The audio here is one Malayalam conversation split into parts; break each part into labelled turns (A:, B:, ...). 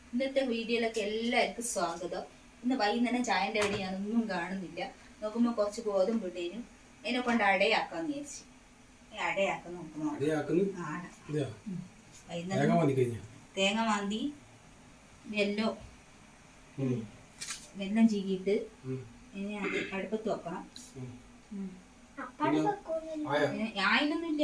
A: ഇന്നത്തെ വീഡിയോയിലൊക്കെ എല്ലാവർക്കും സ്വാഗതം. ഇന്ന് വൈകുന്നേരം ചായൻ്റെ അടി ഞാനൊന്നും കാണുന്നില്ല. നോക്കുമ്പോൾ കുറച്ച് ഗോതമ്പ് ഇട്ടേനും അതിനെ കൊണ്ട് അടയാക്കാന്ന് വിചാരിച്ചു. അടയാക്കാൻ നോക്കുമോ? വൈകുന്നേരം തേങ്ങ മാന്തി വെല്ലം ചീകിയിട്ട് ഇനി അത് അടുപ്പത്ത് വെക്കണം. ആയില്ലൊന്നുമില്ല,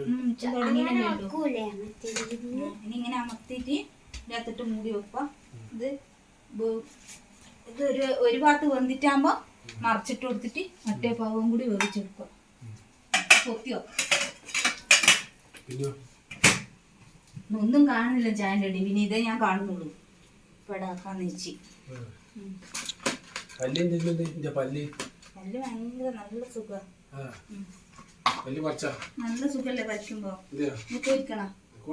A: ഇനി ഇങ്ങനെ അമർത്തിയിട്ട് ഇതിനകത്തിട്ട് മൂടി വെക്കുക. ഇത് ഒരു ഭാഗത്ത് വെന്തിട്ടാകുമ്പോ മറിച്ചിട്ട് കൊടുത്തിട്ട് മറ്റേ ഭാഗവും കൂടി വേവിച്ചെടുക്കുക. പൊത്തി വെക്കുക. ഒന്നും കാണുന്നില്ല ചായൻ്റെ അടി, പിന്നെ ഇതേ ഞാൻ കാണുന്നുള്ളൂ. പെടാക്കാന്ന് വെച്ച് പല്ല് ഭയങ്കര നല്ല സുഖം. നല്ല സുഖല്ലേ പറ്റുമ്പോ? കോരിക്കണം.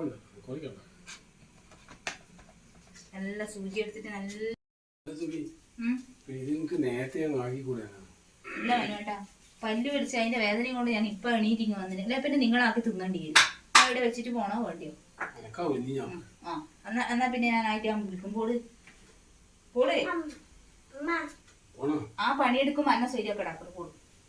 A: നല്ല സൂചി എടുത്തിട്ട് നല്ല ഇല്ല വേണോട്ടാ. പല്ല് പിടിച്ച് അതിന്റെ വേദനയും കൊണ്ട് ഞാൻ ഇപ്പൊ എണീറ്റിങ് വന്നില്ല. അല്ലെ പിന്നെ നിങ്ങളാക്കി തിന്നേണ്ടി വരും. അവിടെ വെച്ചിട്ട് പോണോ വേണ്ടിയോ? എന്നാ പിന്നെ ഞാൻ ആയിട്ട് ഞാൻ വിളിക്കുമ്പോൾ ആ പണിയെടുക്കുമ്പോ അന്ന ശരിയൊക്കെ ഇടാക്കും. പോള്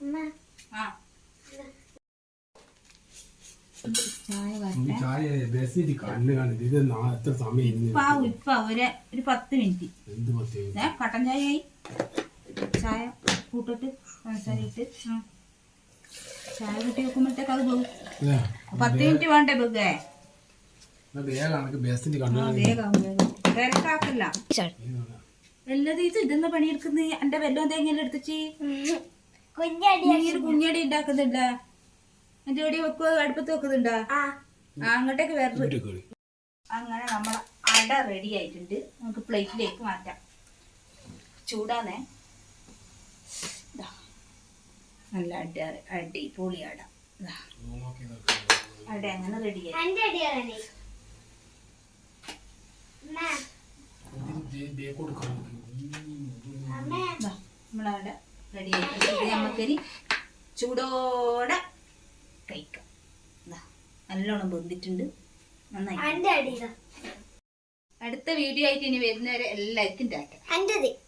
A: ഇപ്പൊ ഒരു 10 മിനിറ്റ് കട്ടൻ ചായ ആയി. ചായ കൂട്ടിട്ട് പഞ്ചസാരയിട്ട് ചായ കൂട്ടി വെക്കുമ്പോഴത്തേക്ക് അത് പോകും. 10 മിനിറ്റ് വേണ്ടേ ബുക്കേ? തിരക്കാക്കില്ല. വല്ലത് ഇതെന്താ പണിയെടുക്കുന്നത്? എന്റെ വെല്ലം തേങ്ങയെല്ലാം എടുത്തിച്ച് കുഞ്ഞടി ഉണ്ടാക്കുന്നുണ്ട? എന്റെ എവിടെ വെക്കുക? അടുപ്പത്ത് വെക്കുന്നുണ്ടാ? അങ്ങോട്ടേക്ക് വേറെ. അങ്ങനെ നമ്മളെ അട റെഡി ആയിട്ടുണ്ട്. നമുക്ക് പ്ലേറ്റിലേക്ക് മാറ്റാം. ചൂടാന്നേ. നല്ല അടിപൊളി അട. അട അങ്ങനെ റെഡിയായി. നമ്മളവിടെ റെഡി ആയിട്ട് നമുക്കിനി ചൂടോടെ കഴിക്കാം. നല്ലോണം ബന്ധിട്ടുണ്ട്. നന്നായി. അടുത്ത വീഡിയോ ആയിട്ട് ഇനി വരുന്നവരെ എല്ലാവർക്കും ടാറ്റ.